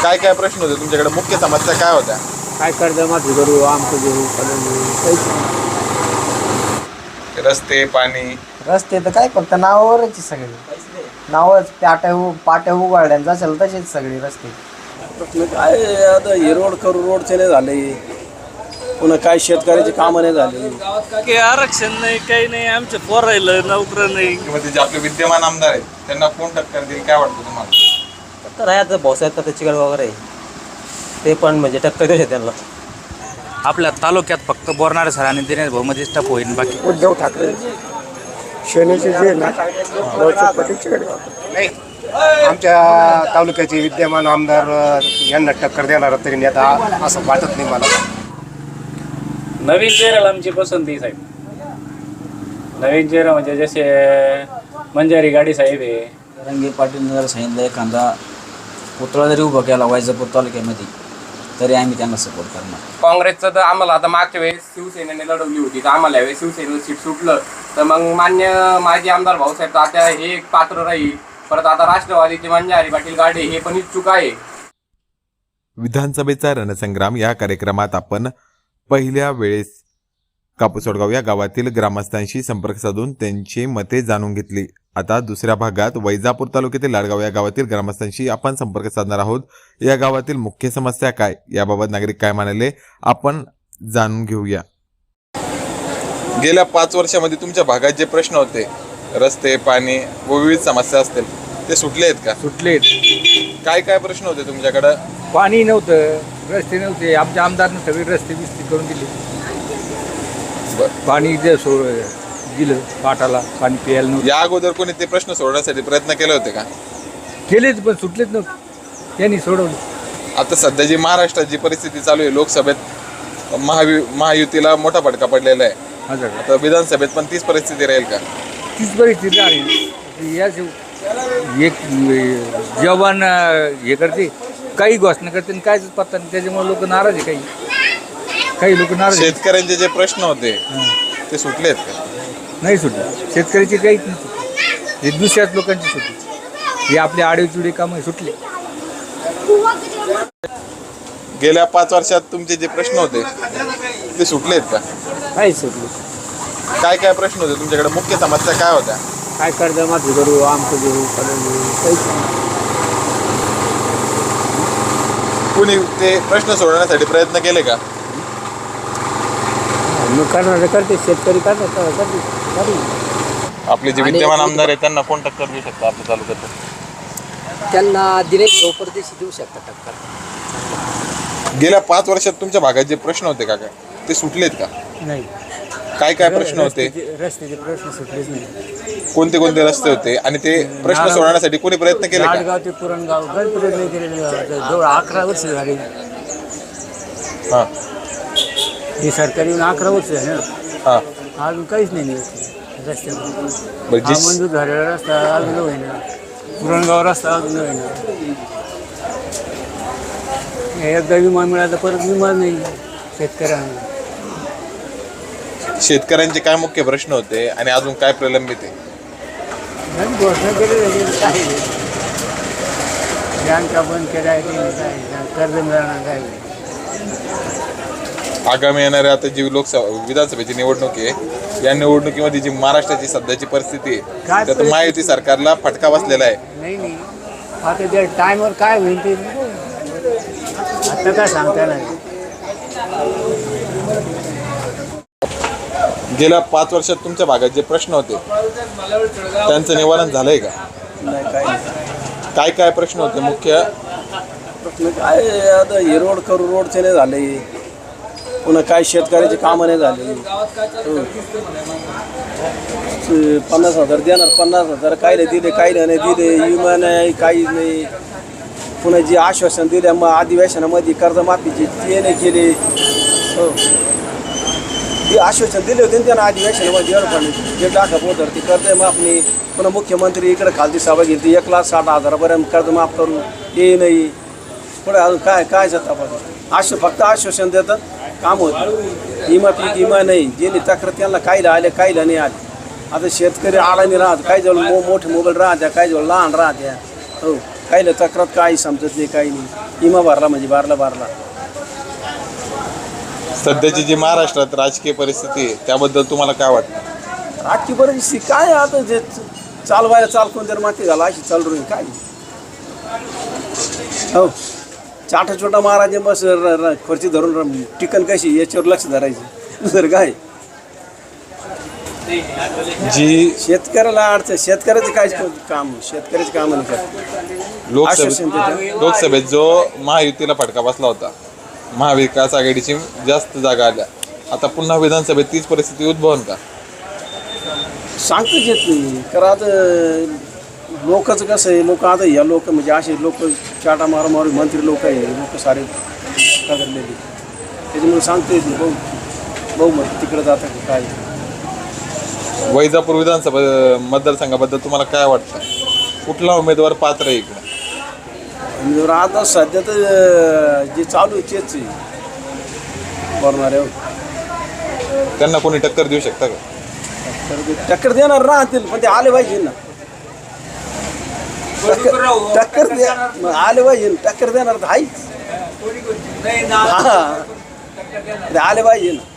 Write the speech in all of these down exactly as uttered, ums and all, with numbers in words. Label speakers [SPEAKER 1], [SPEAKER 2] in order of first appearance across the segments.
[SPEAKER 1] काय काय प्रश्न होते तुमच्याकडे, मुख्य समस्या काय होत्या?
[SPEAKER 2] काय कर्जमाफी करू, आमचं घेऊ, फलन घेऊ, काहीच नाही.
[SPEAKER 1] रस्ते, पाणी.
[SPEAKER 2] रस्ते तर काय फक्त नावावरच आहे सगळे, नावच पाट्या उ पाट्या उघडल्यानं जाशाल तसेच सगळे रस्ते.
[SPEAKER 3] प्रश्न काय आता हे रोड करू रोडचे नाही झाले, पुन्हा काय शेतकऱ्याची कामं नाही झाली.
[SPEAKER 4] काही आरक्षण नाही, काही नाही, आमचे पोर राहिलं नोकर नाही.
[SPEAKER 1] किंवा ते जे आपले विद्यमान आमदार आहेत त्यांना कोण टक्कर देईल काय वाटतं तुम्हाला?
[SPEAKER 5] तर आहे आता भाऊसाहेब तर चिकड वगैरे ते पण म्हणजे टक्कर देऊ शकते त्यांना.
[SPEAKER 6] आपल्या तालुक्यात फक्त बोरणारे सर आणि दिनेश भाऊ मध्ये स्टप होईल, बाकी
[SPEAKER 2] उद्धव ठाकरे सेनेचे जे ना
[SPEAKER 7] आमच्या तालुक्याचे विद्यमान आमदार यांना टक्कर देणार तरी नेता असं वाटत नाही मला.
[SPEAKER 8] नवीन चेहऱ्याला आमची पसंती साहेब. नवीन चेहरा म्हणजे जसे मंजारी गाडी साहेब आहे.
[SPEAKER 5] रंगे पाटील जर सांगितलं एखादा पुतळा जरी उभा केला वैजापूर तालुक्यामध्ये तरी आम्ही त्यांना सपोर्ट करणार.
[SPEAKER 9] काँग्रेसचं तर आम्हाला आता मागच्या वेळेस शिवसेनेने लढवली होती, तर आम्हाला यावेळेस शिवसेनेचं सीट सुटलं, तर मग मान्य माजी आमदार भाऊसाहेब तात्या हे एक पात्र राहील. परत आता राष्ट्रवादीचे मंजारी पाटील गाडे हे पण इच्छुक आहे.
[SPEAKER 1] विधानसभेचा रणसंग्राम या कार्यक्रमात आपण पहिल्या वेळेस कापूसवडगाव या गावातील ग्रामस्थांशी संपर्क साधून त्यांची मते जाणून घेतली. आता दुसऱ्या भागात वैजापूर तालुक्यातील लाडगाव या गावातील ग्रामस्थांशी आपण संपर्क साधणार आहोत. या गावातील मुख्य समस्या काय, याबाबत नागरिक काय म्हणाले आपण जाणून घेऊया. गेल्या पाच वर्षामध्ये तुमच्या भागात जे प्रश्न होते, रस्ते, पाणी व विविध समस्या असतील, ते सुटले आहेत का?
[SPEAKER 2] सुटले.
[SPEAKER 1] काय काय प्रश्न होते तुमच्याकडं?
[SPEAKER 2] पाणी नव्हतं, रस्ते नव्हते, आमच्या आमदारनं सगळे रस्ते बिस्ते करून दिले. पाणी जे सोड दिलं पाटाला, पाणी प्यायला नव्हतं.
[SPEAKER 1] या अगोदर कोणी ते प्रश्न सोडवण्यासाठी प्रयत्न केले होते का?
[SPEAKER 2] केलेच पण सुटलेच नव्हते, त्यांनी सोडवलं.
[SPEAKER 1] आता सध्या जी महाराष्ट्रात जी परिस्थिती चालू आहे, लोकसभेत महावि महायुतीला मोठा फटका पडलेला आहे, आता विधानसभेत पण तीच परिस्थिती राहील का?
[SPEAKER 2] तीच परिस्थिती राहील. या एक जवान हे करते, काही घोषणा करते, काहीच पत्ता नाही, त्याच्यामुळे लोक नाराज आहे. काही काही लोक नाराज.
[SPEAKER 1] शेतकऱ्यांचे जे प्रश्न होते ते सुटले आहेत का?
[SPEAKER 2] नाही सुटले. शेतकऱ्याची काहीच नाही सुटली, हे दुसऱ्याच लोकांची सुटली. हे आपले आडेचुडे कामं सुटले.
[SPEAKER 1] गेल्या पाच वर्षात तुमचे जे प्रश्न होते ते सुटले आहेत का?
[SPEAKER 2] काहीच सुटले.
[SPEAKER 1] काय काय प्रश्न होते तुमच्याकडे, मुख्य समस्या काय होत्या?
[SPEAKER 2] काय कर्जमाफी करू, आमचं घेऊ, फलन घेऊ, काहीच नाही.
[SPEAKER 1] कुणी ते प्रश्न सोडवण्यासाठी प्रयत्न केले का?
[SPEAKER 2] मग करणार करते, शेतकरी करणार करते.
[SPEAKER 1] आपले जे विद्यमान आमदार आहेत त्यांना कोण टक्कर देऊ शकतो आपल्या तालुक्यात?
[SPEAKER 5] त्यांना दिनेश भाऊ परदेशी देऊ शकतात टक्कर.
[SPEAKER 1] गेल्या पाच वर्षात तुमच्या भागात जे प्रश्न होते का काय ते सुटलेत का?
[SPEAKER 2] नाही.
[SPEAKER 1] काय काय प्रश्न होते?
[SPEAKER 2] रस्त्याचे प्रश्न सुटलेच नाही.
[SPEAKER 1] कोणते कोणते रस्ते होते आणि ते प्रश्न सोडवण्यासाठी कोणी प्रयत्न केले का?
[SPEAKER 2] लाडगाव ते पुरणगाव गण प्रयत्न केलेले, जवळ अकरा वर्ष झाली.
[SPEAKER 1] हां
[SPEAKER 2] हे सरकारी येऊन अकरा वर्ष झाले ना,
[SPEAKER 1] हां
[SPEAKER 2] अजून काहीच नाही रस्त्यावर.
[SPEAKER 1] बरं,
[SPEAKER 2] हा
[SPEAKER 1] जी-
[SPEAKER 2] मंजूर झालेला रस्ता अजून होईना, पुरणगाव रस्ता अजून होईना. एकदा विमा मिळाला परत विमा नाही शेतकऱ्यांना.
[SPEAKER 1] शेतकऱ्यांचे काय मुख्य प्रश्न होते आणि अजून काय प्रलंबित आहे?
[SPEAKER 2] आणि घोषणा केली काय बँका बंद केल्या, काय कर्ज मिळणार काय.
[SPEAKER 1] आगामी येणाऱ्या आता जी लोकसभा विधानसभेची निवडणूक आहे, या निवडणुकीमध्ये जी महाराष्ट्राची सध्याची परिस्थिती आहे त्यात महायुती सरकारला फटका बसलेला आहे.
[SPEAKER 2] नाही नाही आता त्या टायमवर काय होईल ते आता काय सांगता नाही.
[SPEAKER 1] गेल्या पाच वर्षात तुमच्या भागात जे प्रश्न होते त्यांचं निवारण झालंय का? काय काय प्रश्न होते मुख्य?
[SPEAKER 3] प्रश्न काय आता हे रोड करू रोडचे नाही झाले, पुन्हा काय शेतकऱ्याची कामं नाही झाली. पन्नास हजार देणार, पन्नास हजार काय दिले, काही नाही दिले, विमा नाही, काहीच नाही. पुन्हा जे आश्वासन दिले मग अधिवेशनामध्ये कर्जमाफीची ते नाही केले. हो ते आश्वासन दिले होते त्यांना अधिवेशनामध्ये पण जे टाका पोतर ती कर्जमाफी. पुन्हा मुख्यमंत्री इकडे खालती सभा घेतली, एक लाख साठ हजारापर्यंत कर्जमाफ करू ते नाही. पुढे अजून काय काय जाता पण आश्व फक्त आश्वासन देतात, काम होतं. विमा पीक विमा नाही, जे तक्रार त्यांना कायला आले कायला नाही आले. आता शेतकरी आडाने राहत, काही जवळ मो मोठे मोबाईल राहत्या, काही जवळ लहान राहत्या. हो काहीला तक्रार काही समजत नाही, काही नाही. इमा भरला म्हणजे बारला बारला.
[SPEAKER 1] सध्याची जी महाराष्ट्रात राजकीय परिस्थिती आहे त्याबद्दल तुम्हाला काय वाटतं?
[SPEAKER 3] आजची परिस्थिती काय आता जे चालवायला चाल कोण जर माती झाला अशी चालू राहील काय. हो चाटा छोटा महाराज बस र- र- खुर्ची धरून र- टिकन कशी याच्यावर लक्ष धरायचं दुसरं काय.
[SPEAKER 1] जी
[SPEAKER 3] शेतकऱ्याला अडचण शेतकऱ्याचं काय काम शेतकऱ्याचं काम नाही करत. आश्वासन
[SPEAKER 1] लोकसभेत
[SPEAKER 3] देतं.
[SPEAKER 1] लोकसभेत जो महायुतीला फटका बसला होता, महाविकास आघाडीची जास्त जागा आल्या, आता पुन्हा विधानसभेत तीच परिस्थिती उद्भवन का?
[SPEAKER 3] सांगताच येत नाही. कारण आता लोकांचं कसं आहे, लोक आता या लोक म्हणजे असे लोक चाटा मारा मारू मंत्री लोक आहे, लोक सारे कदरलेले, त्याच्यामुळे सांगता येत नाही. भाऊ भाऊ मग तिकडं जातं की काय.
[SPEAKER 1] वैजापूर विधानसभा मतदारसंघाबद्दल तुम्हाला काय वाटतं? कुठला उमेदवार पात्र आहे इकडे?
[SPEAKER 3] आणि जर आता सध्या तर अं, जे चालू आहे तेच आहे बरणार आहे.
[SPEAKER 1] त्यांना कोणी टक्कर देऊ शकता का?
[SPEAKER 3] तर ते टक्कर देणार राहतील पण ते आले पाहिजे ना. टक्कर टक्कर दे मग आले पाहिजे टक्कर देणार तर आहेच. हा ते आले पाहिजे ना.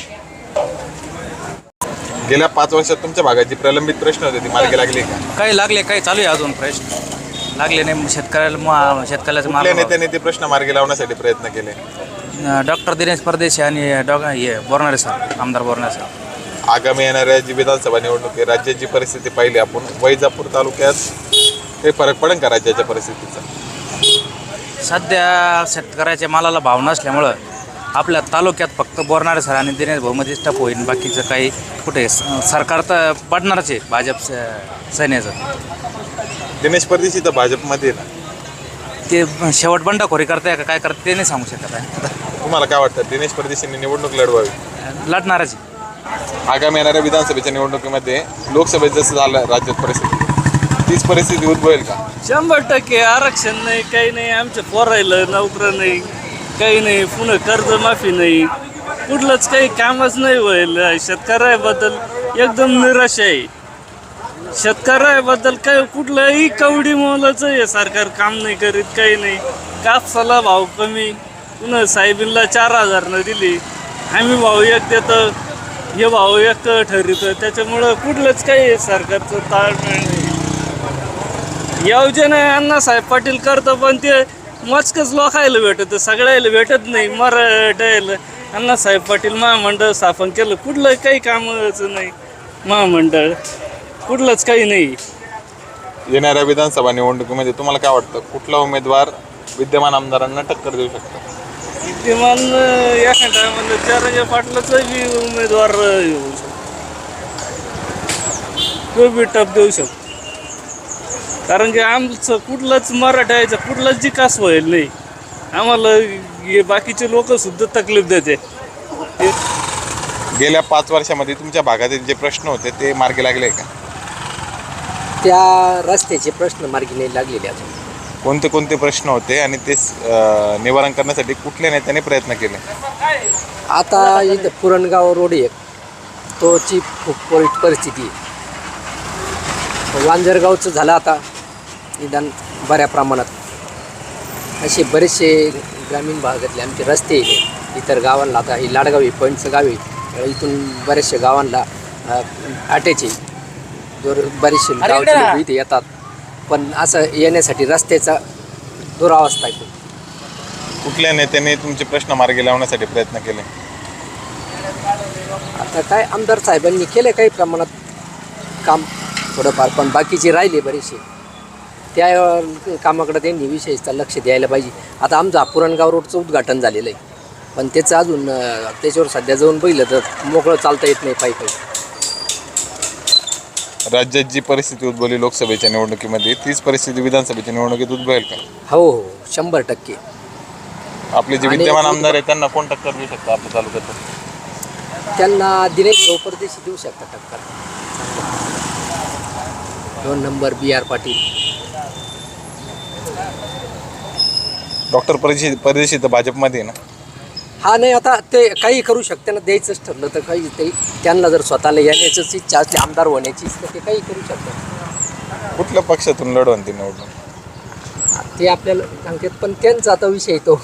[SPEAKER 1] गेल्या पाच वर्षात तुमच्या भागात जी प्रलंबित प्रश्न होते ती मार्गी लागली का?
[SPEAKER 6] काही लागले काही चालू आहे अजून प्रश्न लागले नाही शेतकऱ्याला मा- शेतकऱ्याचं
[SPEAKER 1] कुठल्या
[SPEAKER 6] माल
[SPEAKER 1] नेत्याने ते प्रश्न मार्गी लावण्यासाठी प्रयत्न केले?
[SPEAKER 6] डॉक्टर दिनेश परदेशी आणि डॉ हे बोरणारे सर आमदार बोरणारे सर.
[SPEAKER 1] आगामी येणाऱ्या जी विधानसभा निवडणूक आहे, राज्याची परिस्थिती पाहिली आपण, वैजापूर तालुक्यात काही फरक पडेल का राज्याच्या परिस्थितीचा?
[SPEAKER 6] सध्या शेतकऱ्याच्या मालाला भाव नसल्यामुळं आपल्या तालुक्यात फक्त बोरणारे सर आणि दिनेश भाऊमध्ये स्टप होईल. बाकीचं काही कुठे स- सरकार तर पडणारच आहे भाजप स- सैन्याचं.
[SPEAKER 1] दिनेश परदेशी तर भाजपमध्ये आहे ना,
[SPEAKER 6] ते शेवट बंडखोरी करताय का काय करते ते नाही सांगू शकत आहे.
[SPEAKER 1] तुम्हाला काय वाटतं दिनेश परदेशींनी निवडणूक लढवावी?
[SPEAKER 6] लढणारच आहे.
[SPEAKER 1] आगामी येणाऱ्या विधानसभेच्या निवडणुकीमध्ये लोकसभेत जसं झालं राज्यात परिस्थिती, तीच परिस्थिती उद्भवेल का?
[SPEAKER 4] शंभर टक्के आरक्षण नाही, काही नाही. आमच्या पोरायला नोकरं नाही, काही नाही. पुन्हा कर्जमाफी नाही, कुठलंच काही कामच नाही होईल. शेतकऱ्याबद्दल एकदम निराश आहे. शेतकऱ्याबद्दल काही कुठलंही कवडी मोलाचं हे सरकार काम नाही करीत, काही नाही. कापसाला भाव कमी, पुन्हा साहेबींना चार हजारनं दिली, आम्ही भाव एक देतो, हे भाव एक ठरवतं. त्याच्यामुळं कुठलंच काही सरकारचं ताळमेळ नाही. योजना अण्णासाहेब पाटील करतो पण ते मोजकंच लोकायला भेटतं, सगळ्याला भेटत नाही. मराठ्याला अण्णासाहेब पाटील महामंडळ स्थापन केलं, कुठलं काही कामाचं नाही. महामंडळ कुठलंच काही नाही.
[SPEAKER 1] येणाऱ्या विधानसभा निवडणुकीमध्ये तुम्हाला काय वाटतं कुठला उमेदवार विद्यमान आमदारांना टक्कर देऊ शकतो?
[SPEAKER 4] विद्यमान एका टायमाला चारंगे पाटलाचा बी उमेदवार येऊ शकतो, तो बी टप देऊ शकतो. कारण की आमचं कुठलंच मराठ्याचं कुठलाच विकास होईल नाही. आम्हाला हे बाकीचे लोक सुद्धा तकलीफ देते.
[SPEAKER 1] गेल्या पाच वर्षामध्ये तुमच्या भागातील जे प्रश्न होते ते मार्गी लागले का?
[SPEAKER 10] त्या रस्त्याचे प्रश्न मार्गी नाही लागलेले अजून.
[SPEAKER 1] कोणते कोणते प्रश्न होते आणि ते अं, निवारण करण्यासाठी कुठल्या नेत्याने प्रयत्न केले?
[SPEAKER 10] आता इथं पुरणगाव रोड एक तोची खूप वाईट परिस्थिती आहे. वांजरगावचं झालं आता निदान बऱ्या प्रमाणात. असे बरेचसे ग्रामीण भागातले आमचे रस्ते इतर गावांना, आता ही लाडगाव आहे पॉईंटचं गाव आहे, इथून बऱ्याचशा गावांना अटॅच आहे. जोर बरेचसे गावचे लोक इथे येतात पण असं येण्यासाठी रस्त्याचा दुरावस्था आहे.
[SPEAKER 1] कुठल्या नेत्याने तुमचे प्रश्न मार्गी लावण्यासाठी प्रयत्न केले?
[SPEAKER 10] आता काय आमदार साहेबांनी केले काही प्रमाणात काम थोडंफार, पण बाकीचे राहिले बरेचसे. त्या कामाकडे त्यांनी विशेषतः लक्ष द्यायला पाहिजे. आता आमचं पुरणगाव रोडचं उद्घाटन झालेलं आहे पण त्याचं अजून त्याच्यावर सध्या जाऊन बघितलं तर मोकळं चालता येत नाही पायी पायी.
[SPEAKER 1] राज्यात जी परिस्थिती उद्भवली लोकसभेच्या निवडणुकीमध्ये तीच परिस्थिती विधानसभेच्या निवडणुकीत उद्भवेल का?
[SPEAKER 10] हो हो शंभर टक्के.
[SPEAKER 1] आपले जे
[SPEAKER 10] आणि
[SPEAKER 1] विद्यमान आमदार आहेत त्यांना कोण टक्कर देऊ शकतो आपल्या तालुक्यात?
[SPEAKER 10] त्यांना दिनेश भाऊ परदेशी देऊ शकतात टक्कर. दोन number B R Patil.
[SPEAKER 1] Doctor Pardeshi Pardeshi तर भाजपमध्ये आहे ना?
[SPEAKER 10] हा नाही आता ते काही करू शकते ना, द्यायचंच ठरलं तर काही ते त्यांना जर स्वतःला येण्याचीच इच्छा असली आमदार होण्याची तर ते काही करू शकतात.
[SPEAKER 1] कुठल्या पक्षातून लढवून ती निवडणूक?
[SPEAKER 10] ते आपल्याला सांगतात, पण त्यांचा आता विषय तो.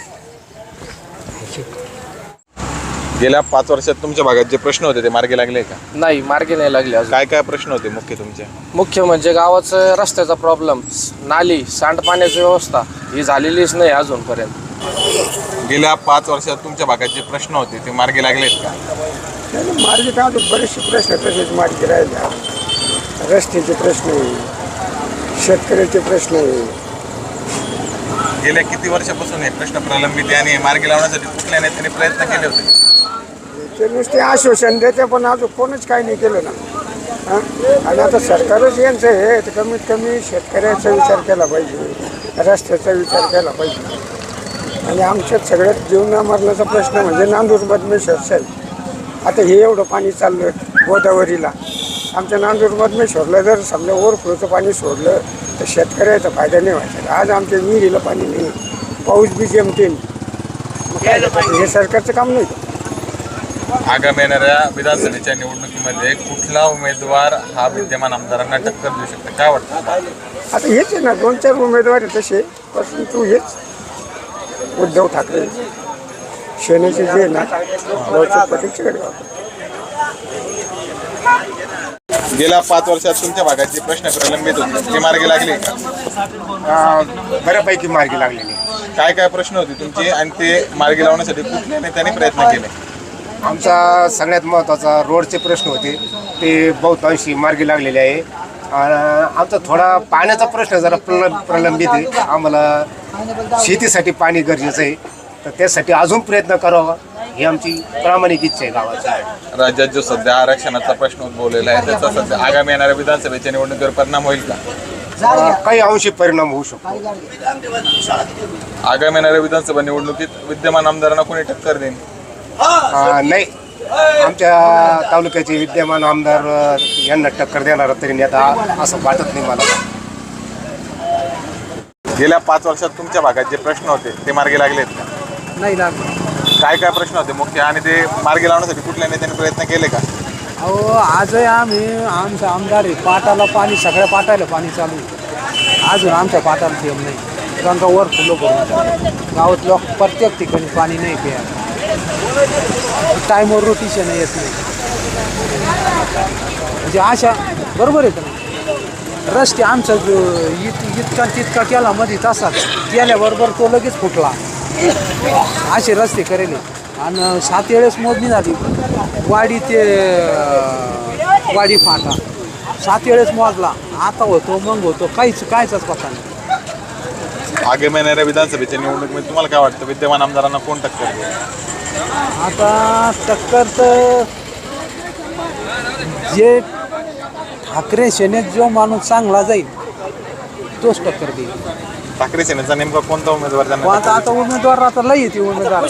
[SPEAKER 1] गेल्या पाच वर्षात तुमच्या भागात जे प्रश्न होते ते मार्गी लागले का?
[SPEAKER 11] नाही, मार्गी नाही लागले अजून.
[SPEAKER 1] काय काय प्रश्न होते मुख्य तुमचे?
[SPEAKER 11] मुख्य म्हणजे गावाचं रस्त्याचा प्रॉब्लेम, नाली, सांडपाण्याची व्यवस्था ही झालेलीच नाही अजूनपर्यंत.
[SPEAKER 1] गेल्या पाच वर्षात तुमच्या भागात जे प्रश्न होते ते मार्गी लागलेत का?
[SPEAKER 3] मार्गी काय बरेचसे प्रश्न तसेच मार्गी राहिले. रस्त्याचे प्रश्न आहे, शेतकऱ्याचे प्रश्न आहे.
[SPEAKER 1] गेल्या किती वर्षापासून हे प्रश्न प्रलंबित आहे आणि मार्गी लावण्यासाठी कुठल्या नेत्याने प्रयत्न केले होते?
[SPEAKER 3] ते नुसते आश्वासन देते पण अजून कोणच काही नाही केलं ना. हां, आणि आता सरकारच यांचं आहे तर कमीत कमी शेतकऱ्याचा विचार केला पाहिजे, रस्त्याचा विचार केला पाहिजे. आणि आमच्यात सगळ्यात जीवना मरणाचा प्रश्न म्हणजे नांदूर बदमेश्वर साहेब. आता हे एवढं पाणी चाललं गोदावरीला, आमच्या नांदूर बदमेश्वरला जर समजा ओव्हरफ्लोचं पाणी सोडलं तर शेतकऱ्याचा फायदा नाही व्हायचा. आज आमच्या विहिरीला पाणी नाही, पाऊस बी जमते. मग काय हे सरकारचं काम नाही.
[SPEAKER 1] आगामी येणाऱ्या विधानसभेच्या निवडणुकीमध्ये कुठला उमेदवार हा विद्यमान आमदारांना टक्कर देऊ शकतो काय वाटतं?
[SPEAKER 3] आता हेच आहे ना, दोन चार उमेदवार आहे तसे, परंतु हेच उद्धव ठाकरे सेनेचे जे आहे ना पटीकडे.
[SPEAKER 1] गेल्या पाच वर्षात तुमच्या भागात जे प्रश्न प्रलंबित होते ते मार्गी लागले का?
[SPEAKER 7] बऱ्यापैकी मार्गी लागलेली.
[SPEAKER 1] काय काय प्रश्न होते तुमचे आणि ते मार्गी लावण्यासाठी कुठल्या नेत्याने प्रयत्न केले?
[SPEAKER 7] आमचा सगळ्यात महत्त्वाचा रोडचे प्रश्न होते ते बहुतांशी मार्गी लागलेले आहे. आमचा थोडा पाण्याचा प्रश्न जरा प्रल प्रलंबित आहे. आम्हाला शेतीसाठी पाणी गरजेचं आहे, तर त्यासाठी अजून प्रयत्न करावा ही आमची प्रामाणिक इच्छा आहे गावाची.
[SPEAKER 1] राज्यात जो सध्या आरक्षणाचा प्रश्न उद्भवलेला आहे त्याचा सध्या आगामी येणाऱ्या विधानसभेच्या निवडणुकीवर परिणाम होईल का?
[SPEAKER 7] काही अंशी परिणाम होऊ शकतो.
[SPEAKER 1] आगामी येणाऱ्या विधानसभा निवडणुकीत विद्यमान आमदारांना कोणी टक्कर देईल?
[SPEAKER 7] नाही, आमच्या तालुक्याचे विद्यमान आमदार यांना टक्कर देणारा तरी नेता असं वाटत नाही मला.
[SPEAKER 1] गेल्या पाच वर्षात तुमच्या भागात जे प्रश्न होते ते मार्गी लागलेत का?
[SPEAKER 10] नाही लागलं.
[SPEAKER 1] काय काय प्रश्न होते मुख्य आणि ते मार्गी लावण्यासाठी कुठल्या नेत्याने प्रयत्न केले का?
[SPEAKER 12] अहो, आजही आम्ही आमचा आमदार आहे, पाटाला पाणी, सगळ्या पाटाला पाणी चालू आहे. अजून आमच्या पाटाला थेंब नाही. गंगा वर फुलं भरून गावात लोक प्रत्येक ठिकाणी पाणी नाही प्यायला. टाईमवर रोटेशन येत नाही. म्हणजे अशा बरोबर आहे का? रस्ते आमचा इत इतका तितका केला मध्ये तसाच गेल्याबरोबर तो लगेच फुटला. असे रस्ते करेले आणि सात वेळेस मोजणी झाली. वाडी ते वाडी फाटा सात वेळेस मोजला. आता होतो मग होतो काहीच कायचाच पत्ता नाही.
[SPEAKER 1] आगामी येणाऱ्या विधानसभेच्या निवडणुकीमध्ये तुम्हाला काय वाटतं विद्यमान आमदारांना कोण टक्कर देईल?
[SPEAKER 12] आता टक्कर तर जे ठाकरे सेनेत जो माणूस चांगला जाईल तोच टक्कर देईल.
[SPEAKER 1] ठाकरे सेनेचा नेमका कोणता उमेदवार त्यांना
[SPEAKER 12] मग आता आता उमेदवार आता लई येते उमेदवार.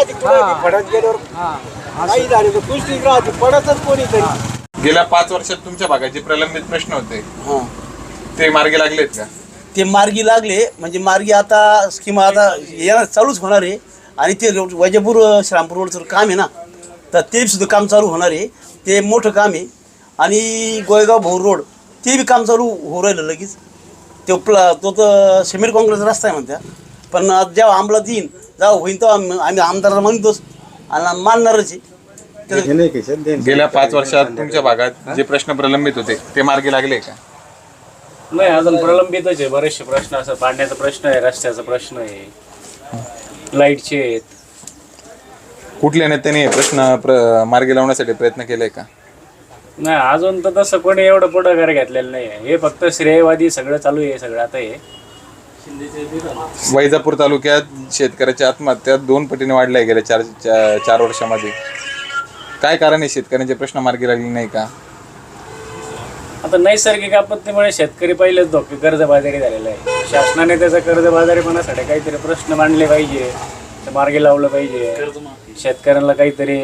[SPEAKER 1] गेल्या पाच वर्षात तुमच्या भागात जे प्रलंबित प्रश्न होते ते मार्गी लागलेत का?
[SPEAKER 13] ते मार्गी लागले म्हणजे मार्गी आता स्कीम आता येणार चालूच होणार आहे. आणि ते वैजापूर श्रामपूर रोडचं काम आहे ना, तर ते सुद्धा काम चालू होणार आहे. ते मोठं काम आहे. आणि गोयगाव भोर रोड ते बी काम चालू होऊ राहिलं लगेच. तो प्ला तो तर सिमेंट काँक्रीटचा रस्ता आहे म्हणत्या, पण जेव्हा अंमलात येईन जेव्हा होईन तेव्हा आम्ही आम्ही आमदाराला म्हणतोच आणि मानणारच आहे.
[SPEAKER 1] गेल्या पाच वर्षात तुमच्या भागात जे प्रश्न प्रलंबित होते ते मार्गी लागले का?
[SPEAKER 8] नाही, अजून प्रलंबितच आहे. बरेचसे प्रश्न असं पाण्याचा प्रश्न आहे, रस्त्याचा प्रश्न आहे, लाईटचे आहेत.
[SPEAKER 1] कुठल्या नेत्याने प्रश्न प्र मार्गी लावण्यासाठी प्रयत्न केले का?
[SPEAKER 8] नाही, अजून तर तसं कोणी एवढं पुढाकार घेतलेलं नाही आहे. हे फक्त श्रेयवादी सगळं चालू आहे सगळं आता हे.
[SPEAKER 1] वैजापूर तालुक्यात शेतकऱ्याच्या आत्महत्या दोन पटीने वाढल्या गेल्या चार चार वर्षामध्ये. काय कारण आहे शेतकऱ्यांचे प्रश्न मार्गी लागले नाही का?
[SPEAKER 8] आता नैसर्गिक आपत्तीमुळे शेतकरी पहिलेच धोके कर्जबाजारी झालेला आहे. शासनाने त्याचा कर्जबाजारीपणासाठी काहीतरी प्रश्न मांडले पाहिजे, ते मार्गी लावलं पाहिजे. शेतकऱ्यांना काहीतरी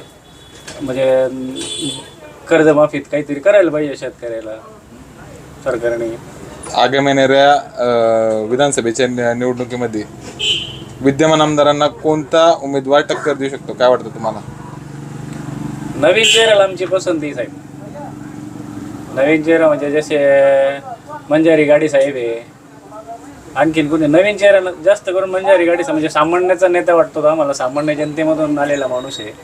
[SPEAKER 8] म्हणजे कर्जमाफीत काहीतरी करायला पाहिजे शेतकऱ्याला सरकारने.
[SPEAKER 1] आगामी येणाऱ्या विधानसभेच्या निवडणुकीमध्ये विद्यमान आमदारांना कोणता उमेदवार टक्कर देऊ शकतो काय वाटतं तुम्हाला?
[SPEAKER 8] नवीन चेहऱ्याला आमची पसंती साहेब. नवीन चेहरा म्हणजे जसे मंजारी गाडी साहेब आहे, आणखीन कोणी नवीन चेहऱ्याला जास्त करून बंजारी गाडी म्हणजे सामान्याचा नेता वाटतो तो आम्हाला, सामान्य जनतेमधून आलेला माणूस आहे.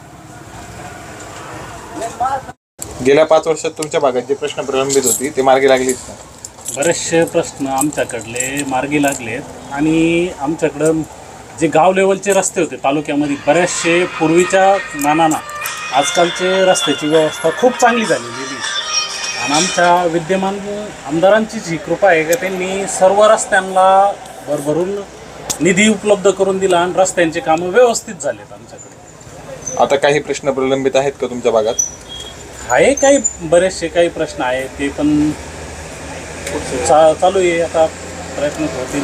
[SPEAKER 1] गेल्या पाच वर्षात तुमच्या भागात जे प्रश्न प्रलंबित होती ते मार्गी लागलीत का?
[SPEAKER 14] बरेचसे प्रश्न आमच्याकडले मार्गी लागलेत आणि आमच्याकडं जे गाव लेवलचे रस्ते होते तालुक्यामध्ये बरेचसे पूर्वीच्या मानानं आजकालचे रस्त्याची व्यवस्था खूप चांगली झालेली आहे. आणि आमच्या विद्यमान आमदारांचीच ही कृपा आहे का त्यांनी सर्व रस्त्यांना भरभरून निधी उपलब्ध करून दिला आणि रस्त्यांचे कामं व्यवस्थित झालेत आमच्याकडे.
[SPEAKER 1] आता काही प्रश्न प्रलंबित आहेत का तुमच्या भागात?
[SPEAKER 14] आहे काही बरेचसे काही प्रश्न आहेत ते पण चा चालू आहे, आता प्रयत्न होतील.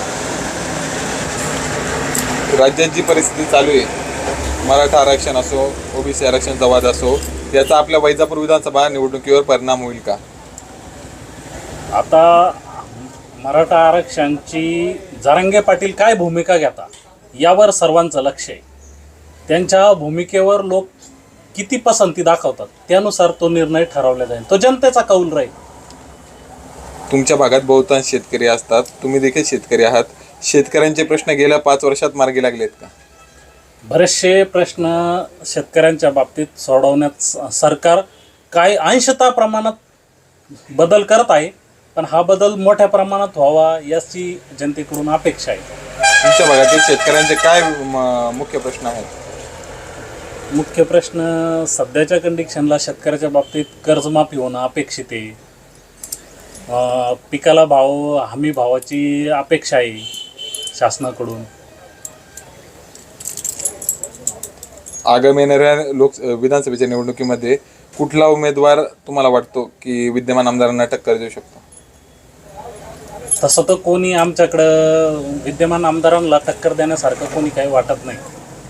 [SPEAKER 1] राज्यात जी परिस्थिती चालू आहे, मराठा आरक्षण असो, ओबीसी आरक्षणचा वाद असो, याचा आपल्या वैजापूर विधानसभा निवडणुकीवर परिणाम होईल का?
[SPEAKER 14] आता मराठा आरक्षणची जरांगे पाटील काय भूमिका घेता यावर सर्वांचं लक्ष आहे. त्यांच्या भूमिकेवर लोक किती पसंती दाखवतात त्यानुसार तो निर्णय ठरवला जाईल, तो जनतेचा कौल राहील.
[SPEAKER 1] तुमच्या भागात बहुतांश शेतकरी असतात, तुम्ही देखील शेतकरी आहात. शेतकऱ्यांचे प्रश्न गेल्या पाच वर्षात मार्गी लागलेत का?
[SPEAKER 14] बरेचसे प्रश्न शेतकऱ्यांच्या बाबतीत सोडवण्यात सरकार काय अंशतः प्रमाणात बदल करत आहे, पण हा बदल मोठ्या प्रमाणात व्हावा याची जनतेकडून अपेक्षा आहे.
[SPEAKER 1] तुमच्या भागातील शेतकऱ्यांचे काय म- मुख्य प्रश्न आहेत?
[SPEAKER 14] मुख्य प्रश्न सध्याच्या कंडिशनला शेतकऱ्याच्या बाबतीत कर्जमाफी होणं अपेक्षित आहे. अं, पिकाला भाव हमी भावाची अपेक्षा आहे शासनाकडून.
[SPEAKER 1] आगामी येणाऱ्या लोक विधानसभेच्या निवडणुकीमध्ये कुठला उमेदवार तुम्हाला वाटतो की विद्यमान आमदारांना टक्कर देऊ शकतो?
[SPEAKER 14] तसं तर कोणी आमच्याकडं विद्यमान आमदारांना टक्कर देण्यासारखं कोणी काही वाटत नाही.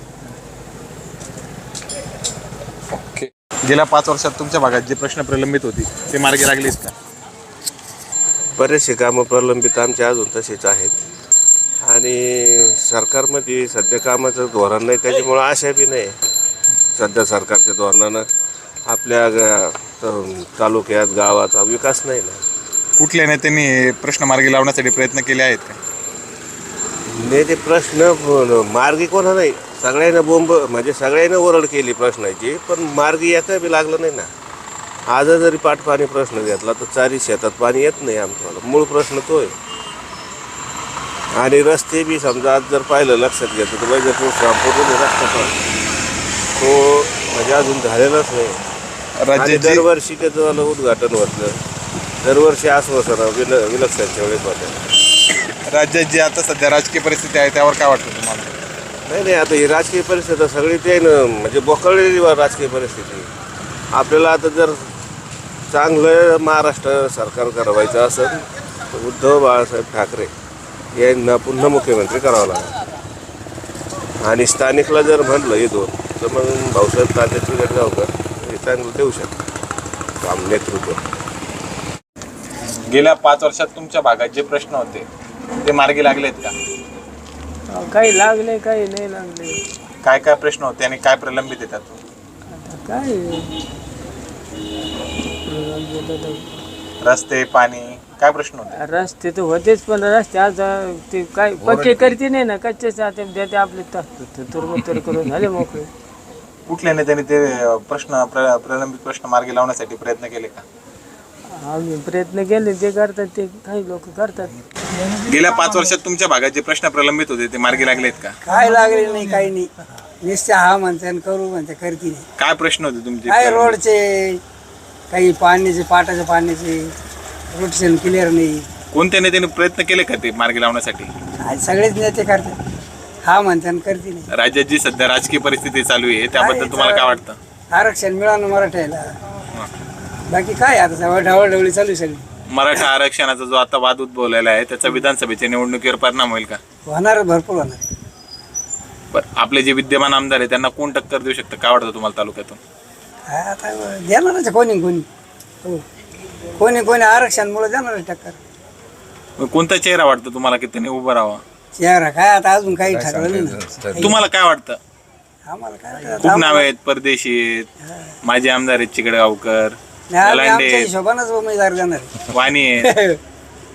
[SPEAKER 1] ओके. गेल्या पाच वर्षात तुमच्या भागात जे प्रश्न प्रलंबित होती ते मार्गी लागलीच का?
[SPEAKER 15] बरेचसे कामं प्रलंबित आमचे अजून तसेच आहेत आणि सरकारमध्ये सध्या कामाचं धोरण नाही, त्याच्यामुळं आशा बी नाही सध्या सरकारच्या धोरणानं आपल्या ग- त- तालुक्यात गावात विकास नाही ना.
[SPEAKER 1] कुठल्या नेत्यांनी हे प्रश्न मार्गी लावण्यासाठी प्रयत्न केले आहेत का?
[SPEAKER 15] नाही ते प्रश्न मार्गी कोणा नाही, सगळ्यांना बोंब म्हणजे सगळ्यांना ओरड केली प्रश्नाची, पण मार्गी एका बी लागलं नाही ना. आज जरी पाटपाणी प्रश्न घेतला तर चारी शेतात पाणी येत नाही आमच्याला, मूळ प्रश्न तो आहे. आणि रस्ते बी समजा आज जर पाहिलं लक्षात घेतलं तर वैजापूर श्रामपूर रस्ता पण तो म्हणजे अजून झालेलाच नाही. आणि दरवर्षी त्याचं झालं उद्घाटन होतं, दरवर्षी आश्वासनं विल विलक्षणच्या वेळेस होत्या.
[SPEAKER 1] राज्यात जी आता सध्या राजकीय परिस्थिती आहे त्यावर काय वाटतं तुम्हाला?
[SPEAKER 15] नाही नाही आता ही राजकीय परिस्थिती सगळी ते म्हणजे बोकळलेली राजकीय परिस्थिती. आपल्याला आता जर चांगलं महाराष्ट्र सरकार करावायचं असेल तर उद्धव बाळासाहेब ठाकरे यांना पुन्हा मुख्यमंत्री करावं लागेल. आणि स्थानिकला जर म्हटलं हे दोन तर मग भाऊसाहेब तात्याची गडगावकर हे चांगलं देऊ शकतात काम नेतृत्व.
[SPEAKER 1] गेल्या पाच वर्षात तुमच्या भागात जे प्रश्न होते ते मार्गी लागलेत का?
[SPEAKER 16] काही लागले काही नाही लागले.
[SPEAKER 1] काय काय प्रश्न होते आणि काय प्रलंबित येतात?
[SPEAKER 16] काय
[SPEAKER 1] रस्ते, पाणी, काय प्रश्न होते?
[SPEAKER 16] रस्ते तर होतेच, पण रस्ते आज ते काय पक्के करते नाही ना, कच्चेच ते देते आपले तुरमतुर करून झाले मोकळे.
[SPEAKER 1] कुठल्या नेत्याने ते प्रश्न प्र प्रलंबित प्रश्न मार्गी लावण्यासाठी प्रयत्न केले का?
[SPEAKER 16] आम्ही प्रयत्न केले, ते करतात, ते काही लोक करतात.
[SPEAKER 1] गेल्या पाच वर्षात तुमच्या भागात जे प्रश्न प्रलंबित होते ते मार्गी लागलेत का?
[SPEAKER 17] काय लागले नाही, काही नाही. निश्चय हा म्हणते आणि करू म्हणते, करते नाही.
[SPEAKER 1] काय प्रश्न होते तुमचे?
[SPEAKER 17] काय रोडचे, काही पाण्याचे, पाटाच्या पाण्याचे रोटेशन क्लिअर नाही.
[SPEAKER 1] कोणत्या नेत्याने प्रयत्न केले का ते मार्गी लावण्यासाठी?
[SPEAKER 17] आज सगळेच नेते करतात, हा म्हणते आणि करते नाही.
[SPEAKER 1] राज्यात जी सध्या राजकीय परिस्थिती चालू आहे त्याबद्दल तुम्हाला काय वाटतं?
[SPEAKER 17] आरक्षण मिळालं मराठ्याला, बाकी काय आता सगळं ढवळढवळी चालू आहे सगळी.
[SPEAKER 1] मराठा आरक्षणाचा जो आता वाद उद्भवलेला आहे त्याचा विधानसभेच्या निवडणुकीवर परिणाम होईल का?
[SPEAKER 17] होणार, भरपूर होणार.
[SPEAKER 1] बरं, आपले जे विद्यमान आमदार आहे त्यांना कोण टक्कर देऊ शकतं? काय वाटतं तुम्हाला तालुक्यातून?
[SPEAKER 17] काय आता देणारच कोणी कोणी हो कोणी कोणी आरक्षणमुळे देणारच टक्कर.
[SPEAKER 1] मग कोणता चेहरा वाटतं तुम्हाला की त्यांनी उभं राहावा?
[SPEAKER 17] चेहरा काय आता अजून काही ठरवलं नाही ना.
[SPEAKER 1] तुम्हाला काय वाटतं?
[SPEAKER 17] आम्हाला काय
[SPEAKER 1] खूप नाव आहेत, परदेशी आहेत, माजी आमदार आहेत, चिकडगावकर,
[SPEAKER 17] आमच्या
[SPEAKER 1] लांडे,
[SPEAKER 17] हिशोबानंच उमेदवार देणार.
[SPEAKER 1] वाणी आहेत.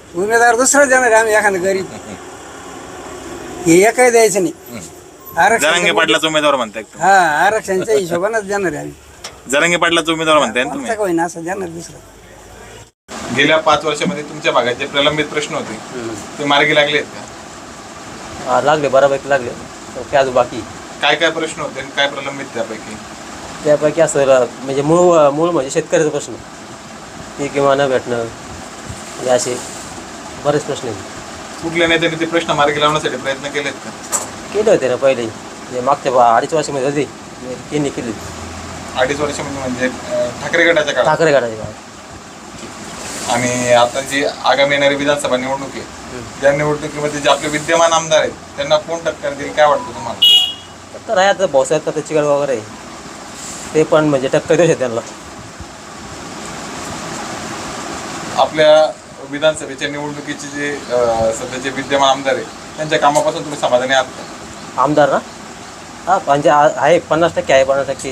[SPEAKER 17] उमेदवार दुसरा देणार आहे आम्ही एखादं गरीब हे एकही द्यायचं नाही
[SPEAKER 1] जरांगे
[SPEAKER 17] आरक्षण
[SPEAKER 1] पाटलाचा उमेदवार म्हणताय का
[SPEAKER 17] हा आरक्षणच्या हिशोबानंच देणार आहे आम्ही
[SPEAKER 1] तुम्ही? जरांगे पाटलाचा उमेदवार म्हणताय ना तुम्ही?
[SPEAKER 17] आमचं होईना असं देणार दुसरं.
[SPEAKER 1] गेल्या पाच वर्षामध्ये तुमच्या भागात जे प्रलंबित प्रश्न होते ते मार्गी लागले आहेत का?
[SPEAKER 18] लागले बऱ्यापैकी लागले काय अजून बाकी
[SPEAKER 1] काय काय प्रश्न होते आणि काय प्रलंबित त्यापैकी?
[SPEAKER 18] त्यापैकी असं म्हणजे मूळ मूळ म्हणजे शेतकऱ्याचा प्रश्न पीक विमा न भेटणं म्हणजे असे बरेच प्रश्न आहेत.
[SPEAKER 1] कुठल्या नेत्याने ते प्रश्न मार्गी लावण्यासाठी प्रयत्न केलेत का?
[SPEAKER 18] केले होते ना पहिले जे मागच्या बा- अडीच वर्षामध्ये होते त्यांनी केले
[SPEAKER 1] अडीच वर्षामध्ये म्हणजे अं, ठाकरे गटाच्या काळात
[SPEAKER 18] ठाकरे गटाचे काळ
[SPEAKER 1] आणि आता जी आगामी येणारी विधानसभा निवडणूक आहे त्या निवडणुकीमध्ये जे आपले विद्यमान आमदार आहेत त्यांना कोण टक्कर देईल काय वाटतं तुम्हाला?
[SPEAKER 18] तर आहे आता भाऊसाहेब तर चिकड वगैरे आहे. ते पण म्हणजे टक्कर देऊ शकते त्यांना.
[SPEAKER 1] आपल्या विधानसभेच्या निवडणुकीचे जे अं, सध्याचे विद्यमान आमदार आहेत त्यांच्या कामापासून तुम्ही समाधानी आहात का?
[SPEAKER 18] आमदार ना हा म्हणजे आ- आहे पन्नास टक्के आहे पन्नास टक्के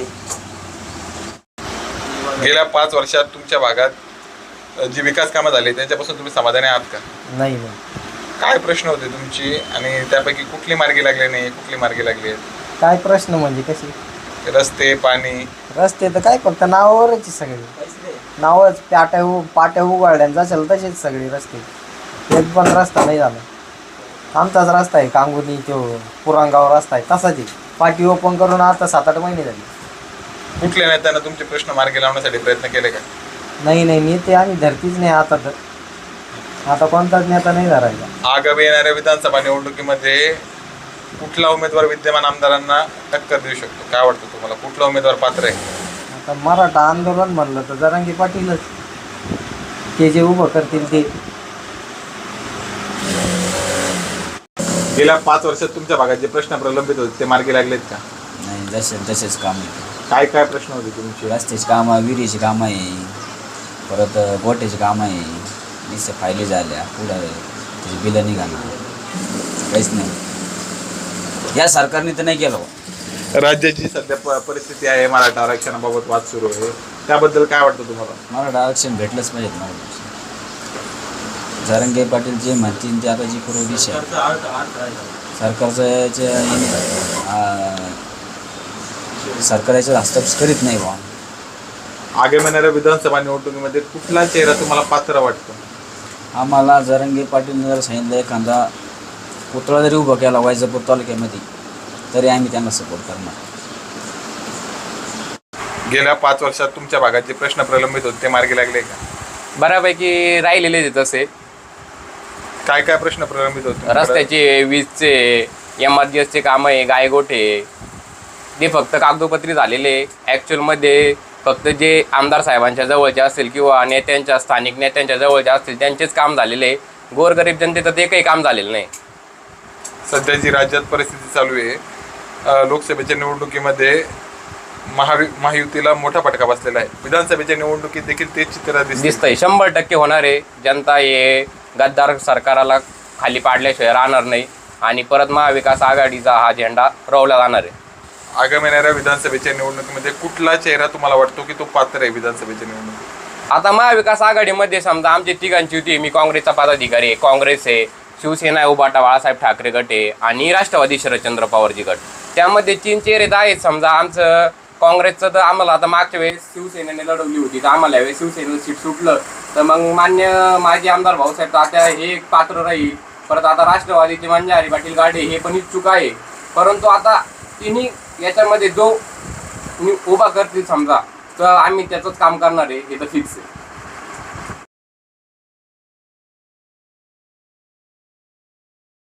[SPEAKER 1] गेल्या पाच वर्षात तुमच्या भागात अं, जी विकास कामं झाली त्यांच्यापासून तुम्ही समाधानी आहात का?
[SPEAKER 18] नाही नाही
[SPEAKER 1] काय प्रश्न होते तुमची आणि त्यापैकी कुठली मार्गी लागली नाही कुठली मार्गी लागली आहेत?
[SPEAKER 19] काय प्रश्न म्हणजे कसे
[SPEAKER 1] रस्ते पाणी
[SPEAKER 19] रस्ते तर काय फक्त नावावरच आहे सगळे नावच पाट्या उ पाट्या उघडल्या असेल तसेच सगळे रस्ते एक पण रस्ता नाही झाला. आमचाच रस्ता आहे कांगुनी तो पुरांगाव रस्ता आहे तसाच आहे पाटी ओपन करून आता सात आठ महिने झाले.
[SPEAKER 1] कुठल्या नेत्यानं तुमचे प्रश्न मार्गी लावण्यासाठी प्रयत्न केले का?
[SPEAKER 19] नाही नाही नेते आम्ही धरतीच नाही आता तर आता कोणताच नेता नाही धरायला.
[SPEAKER 1] आगामी येणाऱ्या विधानसभा निवडणुकीमध्ये कुठला उमेदवार विद्यमान आमदारांना टक्कर देऊ शकतो काय वाटतं तुम्हाला? कुठला उमेदवार पात्र आहे?
[SPEAKER 19] आता मराठा आंदोलन म्हणलं तर जरांगे पाटीलच ते जे उभं करतील ते.
[SPEAKER 1] गेल्या पाच वर्षात तुमच्या भागात जे प्रश्न प्रलंबित होते ते मार्गी लागलेत का?
[SPEAKER 5] नाही जसे तसेच काम आहे.
[SPEAKER 1] काय काय प्रश्न होते तुमचे?
[SPEAKER 5] रस्त्याची कामं विहिरीची कामं आहे परत गोट्याची कामं आहे नुसते फायली झाल्या पुढं त्याची बिलं निघाली काहीच नाही या सरकारने तर नाही केलं.
[SPEAKER 1] राज्याची सध्या प- परिस्थिती आहे मराठा आरक्षणाबाबत वाद सुरू आहे त्याबद्दल काय वाटतं तुम्हाला?
[SPEAKER 5] मराठा आरक्षण भेटलंच पाहिजे मराठा जरांगे पाटील जे म्हणतील ते आता जी पूर्व दिशा आहे सरकारचं याच्या सरकारच्या हस्तक्षेप करीत नाही बा.
[SPEAKER 1] आगामी येणाऱ्या विधानसभा निवडणुकीमध्ये कुठला चेहरा तुम्हाला पात्र वाटतो?
[SPEAKER 5] आम्हाला जरांगे पाटील जर सांगितलं एखादा पुतळा जरी उभा केला वैजापूर तालुक्यामध्ये तरी आम्ही त्यांना सपोर्ट करणार.
[SPEAKER 1] गेल्या पाच वर्षात तुमच्या भागात जे प्रश्न प्रलंबित होते ते मार्गी लागले का?
[SPEAKER 9] बऱ्यापैकी राहिलेले आहेत तसे.
[SPEAKER 1] काय काय प्रश्न प्रलंबित होते?
[SPEAKER 9] रस्त्याचे वीजचे एम आर जी एसचे कामं आहे गायगोठे ते फक्त कागदोपत्री झालेले ॲक्च्युअलमध्ये फक्त जे आमदार साहेबांच्या जवळचे असतील किंवा नेत्यांच्या स्थानिक नेत्यांच्या जवळचे असतील त्यांचेच काम झालेले. गोरगरीब जनतेचं ते काही काम झालेलं नाही.
[SPEAKER 1] सध्या जी राज्यात परिस्थिती चालू आहे अ, लोकसभेच्या निवडणुकीमध्ये महावि महायुतीला मोठा फटका बसलेला आहे. विधानसभेच्या निवडणुकीत देखील तेच चित्र
[SPEAKER 9] दिसतंय. शंभर टक्के होणार आहे. जनता हे गद्दार सरकाराला खाली पाडल्याशिवाय राहणार नाही आणि परत महाविकास आघाडीचा हा झेंडा रोवला जाणार आहे.
[SPEAKER 1] आगामी येणाऱ्या विधानसभेच्या निवडणुकीमध्ये कुठला चेहरा तुम्हाला वाटतो की तो पात्र आहे विधानसभेच्या निवडणुकीत?
[SPEAKER 9] आता महाविकास आघाडीमध्ये समजा आमची तिघांची युती, मी काँग्रेसचा पदाधिकारी आहे, काँग्रेस आहे, शिवसेना आहे, उबाटा बाळासाहेब ठाकरे गट आहे आणि राष्ट्रवादी शरदचंद्र पवारजी गट. त्यामध्ये तीन चेहरे तर आहेत. समजा आमचं काँग्रेसचं तर आम्हाला आता मागच्या वेळेस शिवसेनेने लढवली होती तर आम्हाला यावेळेस शिवसेनेचं सीट सुटलं तर मग मान्य माजी आमदार भाऊसाहेब तात्या हे एक पात्र राहील. परत आता राष्ट्रवादीचे मंजारी पाटील गाडे हे पण इच्छुक आहे. परंतु आता तिन्ही याच्यामध्ये जो मी उभा करतील समजा तर आम्ही त्याचंच काम करणार आहे हे तर फिक्स आहे.